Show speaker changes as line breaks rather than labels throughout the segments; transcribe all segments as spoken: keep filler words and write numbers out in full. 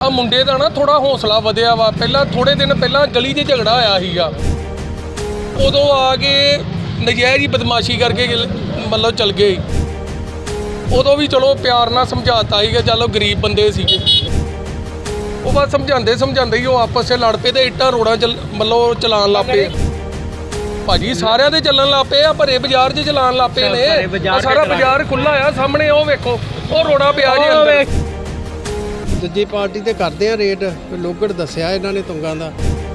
ਮੁੰਡੇ ਦਾ ਨਾ ਥੋੜਾ ਹੌਸਲਾ ਵਧਿਆ ਵਾ। ਪਹਿਲਾਂ ਥੋੜੇ ਦਿਨ ਪਹਿਲਾਂ ਗਲੀ 'ਚ ਝਗੜਾ ਹੋਇਆ ਸੀਗਾ, ਉਦੋਂ ਆ ਕੇ ਨਜਾਇਜ਼ ਹੀ ਬਦਮਾਸ਼ੀ ਕਰਕੇ ਮਤਲਬ ਚਲ ਗਏ। ਉਦੋਂ ਵੀ ਚਲੋ ਪਿਆਰ ਨਾਲ ਸਮਝਾਤਾ ਸੀਗਾ, ਚਲੋ ਗਰੀਬ ਬੰਦੇ ਸੀਗੇ। ਉਹ ਬਸ ਸਮਝਾਉਂਦੇ ਸਮਝਾਉਂਦੇ ਹੀ ਉਹ ਆਪਸ 'ਚ ਲੜ ਪਏ ਤੇ ਇੱਟਾਂ ਰੋੜਾਂ ਚ ਮਤਲਬ ਚਲਾਉਣ ਲੱਗ ਪਏ। ਭਾਜੀ ਸਾਰਿਆਂ ਦੇ ਚੱਲਣ ਲੱਗ ਪਏ ਆ, ਭਰੇ ਬਾਜ਼ਾਰ 'ਚ ਚਲਾਉਣ ਲੱਗ ਪਏ ਨੇ। ਸਾਰਾ ਬਾਜ਼ਾਰ ਖੁੱਲ੍ਹਾ ਆ ਸਾਹਮਣੇ, ਉਹ ਵੇਖੋ ਉਹ ਰੋੜਾ ਪਿਆ ਜੀ ਅੰਦਰ।
ਦੂਜੀ ਪਾਰਟੀ ਤੇ ਕਰਦੇ ਆ ਰੇਟ, ਲੋਗੜ ਦੱਸਿਆ ਇਹਨਾਂ ਨੇ ਤੁੰਗਾਂ ਦਾ,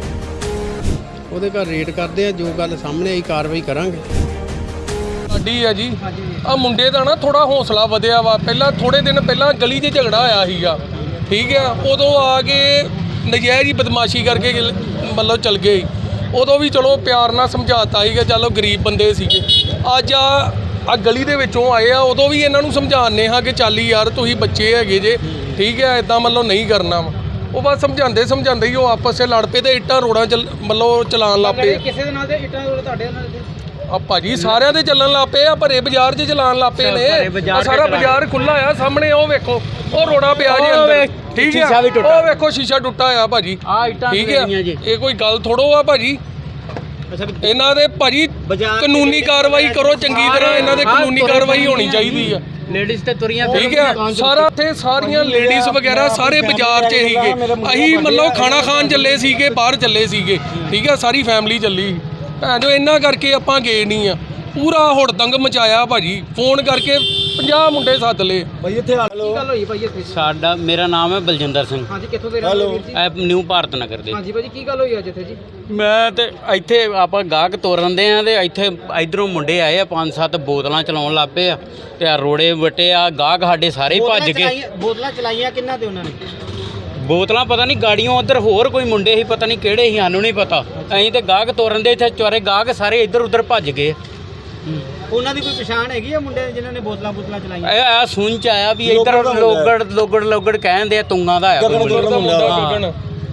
ਉਹਦੇ ਘਰ ਰੇਟ ਕਰਦੇ ਆ, ਜੋ ਗੱਲ ਸਾਹਮਣੇ ਆਈ ਕਾਰਵਾਈ ਕਰਾਂਗੇ।
ਸਾਡੀ ਆ ਜੀ ਆ ਮੁੰਡੇ ਦਾ ਨਾ ਥੋੜਾ ਹੌਸਲਾ ਵਧਿਆ ਵਾ। ਪਹਿਲਾਂ ਥੋੜੇ ਦਿਨ ਪਹਿਲਾਂ ਗਲੀ 'ਚ ਝਗੜਾ ਹੋਇਆ ਸੀਗਾ, ਠੀਕ ਆ। ਉਦੋਂ ਆ ਕੇ ਨਜਾਇਜ਼ ਹੀ ਬਦਮਾਸ਼ੀ ਕਰਕੇ ਮਤਲਬ ਚਲ ਗਏ। ਉਦੋਂ ਵੀ ਚਲੋ ਪਿਆਰ ਨਾਲ ਸਮਝਾਤਾ ਸੀਗਾ, ਚਲੋ ਗਰੀਬ ਬੰਦੇ ਸੀਗੇ। ਅੱਜ ਆ ਆ ਗਲੀ ਦੇ ਵਿੱਚੋਂ ਆਏ ਆ, ਉਦੋਂ ਵੀ ਇਹਨਾਂ ਨੂੰ ਸਮਝਾਉਂਦੇ ਹਾਂ ਕਿ ਚੱਲ ਯਾਰ ਤੁਸੀਂ ਬੱਚੇ ਹੈਗੇ ਜੇ, ਠੀਕ ਹੈ, ਇੱਦਾਂ ਮਤਲਬ ਨਹੀਂ ਕਰਨਾ ਵਾ। ਉਹ ਬਸ ਸਮਝਾਉਂਦੇ ਸਮਝਾਉਂਦੇ ਹੀ ਉਹ ਆਪਸ 'ਚ ਲੜ ਪਏ ਤੇ ਇੱਟਾਂ ਰੋੜਾਂ ਚ ਮਤਲਬ ਚਲਾਉਣ ਲੱਗ ਪਏ।
ਕਿਸੇ ਦੇ ਨਾਲ ਤੇ ਇੱਟਾਂ ਰੋੜ ਤੁਹਾਡੇ ਨਾਲ
ਆ ਭਾਜੀ ਸਾਰਿਆਂ ਦੇ ਚੱਲਣ ਲੱਗ ਪਏ ਆ, ਭਰੇ ਬਾਜ਼ਾਰ 'ਚ ਚਲਾਉਣ ਲੱਗ ਪਏ ਨੇ। ਸਾਰਾ ਬਾਜ਼ਾਰ ਖੁੱਲ੍ਹਾ ਆ ਸਾਹਮਣੇ, ਉਹ ਵੇਖੋ ਉਹ ਰੋੜਾ ਪਿਆ ਜੀ ਅੰਦਰ, ਠੀਕ ਆ। ਉਹ ਵੇਖੋ ਸ਼ੀਸ਼ਾ ਟੁੱਟਾ ਆ ਭਾਜੀ, ਠੀਕ ਆ। ਇਹ ਕੋਈ ਗੱਲ ਥੋੜੋ ਆ ਭਾਜੀ। ਇਹਨਾਂ ਦੇ ਭਾਜੀ ਕਾਨੂੰਨੀ ਕਾਰਵਾਈ ਕਰੋ ਚੰਗੀ ਤਰ੍ਹਾਂ, ਇਹਨਾਂ ਦੇ ਕਾਨੂੰਨੀ ਕਾਰਵਾਈ ਹੋਣੀ ਚਾਹੀਦੀ ਆ।
ਲੇਡੀਜ਼ ਤੇ ਤੁਰੀਆਂ,
ਠੀਕ ਆ। ਸਾਰਾ ਇੱਥੇ ਸਾਰੀਆਂ ਲੇਡੀਜ਼ ਵਗੈਰਾ ਸਾਰੇ ਬਾਜ਼ਾਰ 'ਚ ਸੀਗੇ। ਅਸੀਂ ਮਤਲਬ ਖਾਣਾ ਖਾਣ ਚੱਲੇ ਸੀਗੇ, ਬਾਹਰ ਚੱਲੇ ਸੀਗੇ, ਠੀਕ ਆ। ਸਾਰੀ ਫੈਮਿਲੀ ਚੱਲੀ ਭੈਣ ਜੋ, ਇਹਨਾਂ ਕਰਕੇ ਆਪਾਂ ਗਏ ਨਹੀਂ ਆ। ਪੂਰਾ ਹੁੜਦੰਗ ਮਚਾਇਆ ਭਾਜੀ, ਫੋਨ ਕਰਕੇ ਪੰਜਾਹ ਮੁੰਡੇ ਸੱਦ ਲਏ
ਭਾਈ ਇੱਥੇ। ਕੀ ਗੱਲ ਹੋਈ ਭਾਈ ਇੱਥੇ?
ਸਾਡਾ ਮੇਰਾ ਨਾਮ ਹੈ ਬਲਜਿੰਦਰ ਸਿੰਘ।
ਹਾਂਜੀ, ਕਿੱਥੋਂ ਦੇ ਰਹਿਣ ਵਾਲੇ
ਐ ਨਿਊ ਭਾਰਤ ਨਗਰ ਦੇ।
ਹਾਂਜੀ ਭਾਜੀ, ਕੀ ਗੱਲ ਹੋਈ ਅੱਜ ਇੱਥੇ ਜੀ?
ਮੈਂ ਤੇ ਇੱਥੇ ਆਪਾਂ ਗਾਹਕ ਤੋਰਨ ਦੇ ਆ ਤੇ ਇੱਥੇ ਇਧਰੋਂ ਮੁੰਡੇ ਆਏ ਆ, ਪੰਜ ਸੱਤ ਬੋਤਲਾਂ ਚਲਾਉਣ ਲੱਗ ਪਏ ਆ ਤੇ ਆ ਰੋੜੇ ਵਟੇ ਆ। ਗਾਹਕ ਸਾਡੇ ਸਾਰੇ ਭੱਜ ਗਏ।
ਬੋਤਲਾਂ ਚਲਾਈਆਂ ਕਿੰਨਾ ਤੇ ਉਹਨਾਂ ਨੇ?
ਬੋਤਲਾਂ ਪਤਾ ਨਹੀਂ ਗਾੜੀਆਂ ਉਧਰ ਹੋਰ ਕੋਈ ਮੁੰਡੇ ਸੀ, ਪਤਾ ਨਹੀਂ ਕਿਹੜੇ ਸੀ, ਸਾਨੂੰ ਨਹੀਂ ਪਤਾ। ਅਸੀਂ ਤੇ ਗਾਹਕ ਤੋਰਨ ਦੇ, ਇੱਥੇ ਚਾਰੇ ਗਾਹਕ ਸਾਰੇ ਇੱਧਰ ਉੱਧਰ ਭੱਜ ਗਏ।
ਉਹਨਾਂ ਦੀ ਕੋਈ ਪਛਾਣ ਹੈਗੀ ਆ ਮੁੰਡੇ ਜਿਨ੍ਹਾਂ ਨੇ ਬੋਤਲਾਂ ਬੋਤਲਾਂ ਚਲਾਈਆਂ?
ਇਹ ਆ ਸੁਣ ਚ ਆਇਆ ਵੀ ਇੱਧਰ ਲੋਗੜ ਲੋਗੜ ਲੋਗੜ ਕਹਿੰਦੇ ਆ, ਤੁੰਗਾਂ ਦਾ ਆਇਆ
ਗਗਨ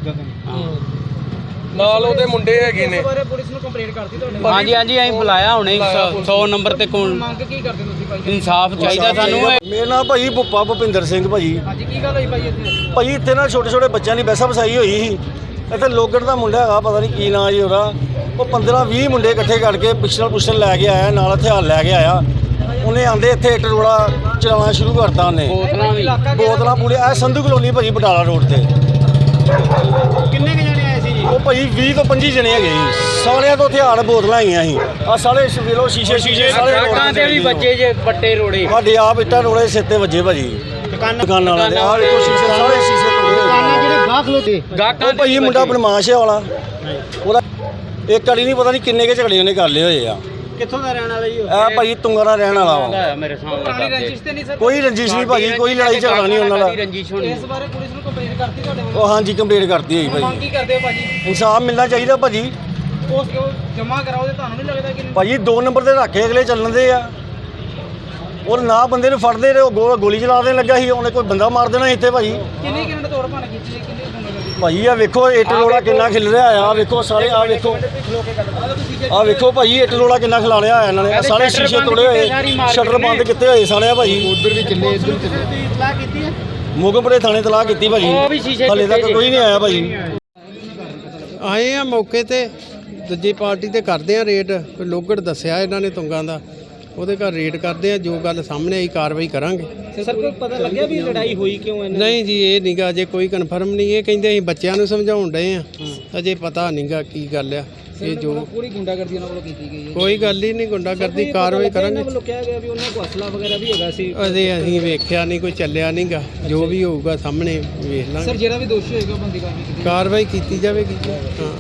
ਨਾਲ ਉਹਦੇ ਮੁੰਡੇ ਹੈਗੇ ਨੇ।
ਇਸ ਬਾਰੇ ਪੁਲਿਸ ਨੂੰ ਕੰਪਲੇਂਟ ਕਰਤੀ ਤੁਹਾਡੇ?
ਹਾਂਜੀ ਹਾਂਜੀ, ਅਸੀਂ ਬੁਲਾਇਆ ਹੁਣੇ ਸੌ ਨੰਬਰ ਤੇ। ਕੋਣ
ਮੰਗ ਕੀ ਕਰਦੇ ਤੁਸੀਂ ਭਾਈ?
ਇਨਸਾਫ ਚਾਹੀਦਾ ਸਾਨੂੰ।
ਮੇਰਾ ਨਾਮ ਭਾਈ ਭੁੱਪਾ ਭੁਪਿੰਦਰ ਸਿੰਘ ਭਾਜੀ।
ਹਾਂਜੀ, ਕੀ ਗੱਲ ਹੋਈ ਭਾਈ ਇੱਥੇ?
ਭਾਜੀ ਇੱਥੇ ਨਾ ਛੋਟੇ ਛੋਟੇ ਬੱਚਿਆਂ ਦੀ ਬੈਸਾ ਵਸਾਈ ਹੋਈ ਸੀ। ਇੱਥੇ ਲੋਗੜ ਦਾ ਮੁੰਡਾ ਹੈਗਾ, ਪਤਾ ਨਹੀਂ ਕੀ ਨਾਂ ਜੀ ਉਹਦਾ। ਉਹ ਪੰਦਰਾਂ ਵੀਹ ਮੁੰਡੇ ਇਕੱਠੇ ਕਰਕੇ ਪਿਸਟਲ ਪੁਸਟਲ ਲੈ ਕੇ ਆਇਆ, ਨਾਲ ਹਥਿਆਰ ਲੈ ਕੇ ਆਇਆ। ਉਹਨੇ ਆਂਦੇ ਇੱਥੇ ਇੱਟ ਰੋੜਾ ਚਲਾਉਣਾ ਸ਼ੁਰੂ ਕਰਤਾ ਉਹਨੇ।
ਬੋਤਲਾਂ ਵੀ
ਬੋਤਲਾਂ ਪੂਰੇ ਇਹ ਸੰਧੂ ਕਲੋਨੀ ਭਾਜੀ ਬਟਾਲਾ ਰੋਡ ਤੇ।
ਕਿੰਨੇ ਕੁ ਜਣੇ ਆਏ ਸੀ ਜੀ?
ਉਹ ਭਾਜੀ ਵੀਹ ਤੋਂ ਪੰਜੀ ਜਣੇ ਹੈਗੇ ਸੀ। ਸਾਰਿਆਂ ਤੋਂ ਹਥਿਆਰ ਬੋਤਲਾਂ ਆਈਆਂ ਸੀ। ਆ ਸਾਰੇ ਵੇਲੋ ਸ਼ੀਸ਼ੇ ਸ਼ੀਸ਼ੇ ਸਾਰੇ
ਗਾਹਕਾਂ ਤੇ ਵੀ ਵੱਜੇ ਜੇ ਵੱਟੇ ਰੋੜੇ।
ਸਾਡੇ ਆਪ ਇੱਟਾਂ ਰੋੜੇ ਸਿਰ ਤੇ ਵੱਜੇ ਭਾਜੀ। ਦੁਕਾਨਾਂ ਵਾਲੇ ਆਹ ਵੇਖੋ ਸ਼ੀਸ਼ੇ ਸਾਰੇ ਸ਼ੀਸ਼ੇ ਤੋੜੇ।
ਦੁਕਾਨਾਂ ਜਿਹੜੇ ਗਾਹਕ ਲੋਤੇ
ਗਾਹਕਾਂ
ਭਾਈ ਮੁੰਡਾ ਬਦਮਾਸ਼ ਹੈ ਵਾਲਾ, ਉਹਦਾ ਇੱਕ ਵਾਲੀ ਨਹੀਂ ਪਤਾ ਨਹੀਂ ਕਿੰਨੇ ਕੇ ਝਗੜੇ ਉਹਨੇ ਕਰ ਲਏ ਹੋਏ ਆ।
ਕਿੱਥੋਂ ਦਾ ਰਹਿਣ ਵਾਲਾ ਜੀ?
ਇਹ ਭਾਈ ਤੁੰਗਾ ਦਾ ਰਹਿਣ ਵਾਲਾ ਵਾ।
ਮੇਰੇ ਸਾਹਮਣੇ
ਪੁਰਾਣੀ ਰੰਜਿਸ਼ ਤੇ ਨਹੀਂ ਸਰ?
ਕੋਈ ਰੰਜਿਸ਼ ਨਹੀਂ ਭਾਜੀ, ਕੋਈ ਲੜਾਈ ਝਗੜਾ ਨਹੀਂ ਉਹਨਾਂ ਦਾ।
ਰੰਜਿਸ਼ ਹੋਣੀ।
ਇਸ ਬਾਰੇ ਪੁਲਿਸ ਨੂੰ ਕੰਪਲੇਂਟ ਕਰਤੀ ਤੁਹਾਡੇ ਵੱਲੋਂ?
ਉਹ ਹਾਂਜੀ ਕੰਪਲੀਟ ਕਰਤੀ ਹੋਈ
ਮੰਗ
ਭਾਜੀ।
ਕੀ ਕਰਦੇ ਹੋ ਭਾਜੀ?
ਇਨਸਾਫ ਮਿਲਣਾ ਚਾਹੀਦਾ ਭਾਜੀ।
ਉਸ ਕਿਉਂ ਜਮ੍ਹਾਂ ਕਰਾਓ ਤੇ ਤੁਹਾਨੂੰ ਨਹੀਂ ਲੱਗਦਾ ਕਿ
ਭਾਜੀ ਦੋ ਨੰਬਰ ਤੇ ਰੱਖੇ ਅਗਲੇ ਚੱਲਣ ਦੇ ਆ। ਉਹ ਨਾ ਬੰਦੇ ਨੂੰ ਫੜਦੇ ਰਹੇ, ਉਹ ਗੋ- ਗੋਲੀ ਚਲਾ ਦੇਣ ਲੱਗਾ ਸੀ, ਉਹਨੇ ਕੋਈ ਬੰਦਾ ਮਾਰ ਦੇਣਾ ਇੱਥੇ ਭਾਜੀ।
ਕਿੰਨੀ ਕਿੰਨੇ ਤੋੜ ਭੰਨ ਕੀਤੀ? ਕਿੰਨੀ ਗੁੰਡਾਗਰਦੀ?
ਭਾਜੀ ਆ ਵੇਖੋ ਇੱਟ ਰੋੜਾ ਕਿੰਨਾ ਖਿਲ ਰਿਹਾ ਆ। ਵੇਖੋ ਸਾਰੇ ਆ ਵੇਖੋ, ਆ ਵੇਖੋ ਭਾਜੀ ਇੱਟ ਰੋੜਾ ਕਿੰਨਾ ਖਿਲਾ ਰਿਹਾ ਆ ਇਹਨਾਂ ਨੇ। ਸਾਰੇ ਸ਼ੀਸ਼ੇ ਤੋੜੇ ਹੋਏ, ਸ਼ਟਰ ਬੰਦ ਕੀਤੇ ਹੋਏ ਸਾਰੇ ਆ ਭਾਜੀ। ਉਧਰ ਵੀ ਚੱਲੇ, ਇੱਧਰ ਵੀ ਚੱਲੇ।
ਇਤਲਾਹ ਕੀਤੀ ਹੈ?
ਮੋਗਮਪੁਰੇ ਥਾਣੇ ਤਲਾਹ ਕੀਤੀ ਭਾਜੀ, ਹਾਲੇ ਤੱਕ ਕੋਈ ਨਹੀਂ ਆਇਆ ਭਾਜੀ।
ਆਏ ਆ ਮੌਕੇ ਤੇ, ਦੂਜੀ ਪਾਰਟੀ ਤੇ ਕਰਦੇ ਆ ਰੇਟ, ਲੋਗੜ ਦੱਸਿਆ ਇਹਨਾਂ ਨੇ ਤੁੰਗਾਂ ਦਾ, ਉਹਦੇ ਘਰ ਰੇਟ ਕਰਦੇ ਆ, ਜੋ ਗੱਲ ਸਾਹਮਣੇ ਆਈ ਕਾਰਵਾਈ ਕਰਾਂਗੇ।
ਸਰ ਕੋਈ ਪਤਾ ਲੱਗਿਆ ਵੀ ਲੜਾਈ ਹੋਈ ਕਿਉਂ?
ਨਹੀਂ ਜੀ, ਇਹ ਨਹੀਂਗਾ ਅਜੇ ਕੋਈ ਕਨਫਰਮ ਨਹੀਂ। ਇਹ ਕਹਿੰਦੇ ਅਸੀਂ ਬੱਚਿਆਂ ਨੂੰ ਸਮਝਾਉਣ ਡਏ ਆ, ਅਜੇ ਪਤਾ ਨਹੀਂਗਾ ਕੀ ਗੱਲ ਆ। ਇਹ ਜੋ
ਪੂਰੀ ਗੁੰਡਾਗਰਦੀ ਉਹਨਾਂ ਵੱਲੋਂ ਕੀਤੀ ਗਈ ਹੈ?
ਕੋਈ ਗੱਲ ਹੀ ਨਹੀਂ, ਗੁੰਡਾਗਰਦੀ ਕਾਰਵਾਈ ਕਰਾਂਗੇ।
ਉਹਨਾਂ ਵੱਲੋਂ ਕਿਹਾ ਗਿਆ ਵੀ ਉਹਨਾਂ ਕੋਲ ਅਸਲਾ ਵਗੈਰਾ ਵੀ ਹੈਗਾ ਸੀ।
ਅਜੇ ਅਸੀਂ ਵੇਖਿਆ ਨਹੀਂ, ਕੋਈ ਚੱਲਿਆ ਨਹੀਂਗਾ। ਜੋ ਵੀ ਹੋਊਗਾ ਸਾਹਮਣੇ ਵੇਖ
ਸਰ
ਲਾਂਗੇ,
ਜਿਹੜਾ ਵੀ ਦੋਸ਼ੀ ਹੋਏਗਾ ਬੰਦੀ ਕਾਰਵਾਈ ਕੀਤੀ
ਕਾਰਵਾਈ ਕੀਤੀ ਜਾਵੇਗੀ। ਹਾਂ।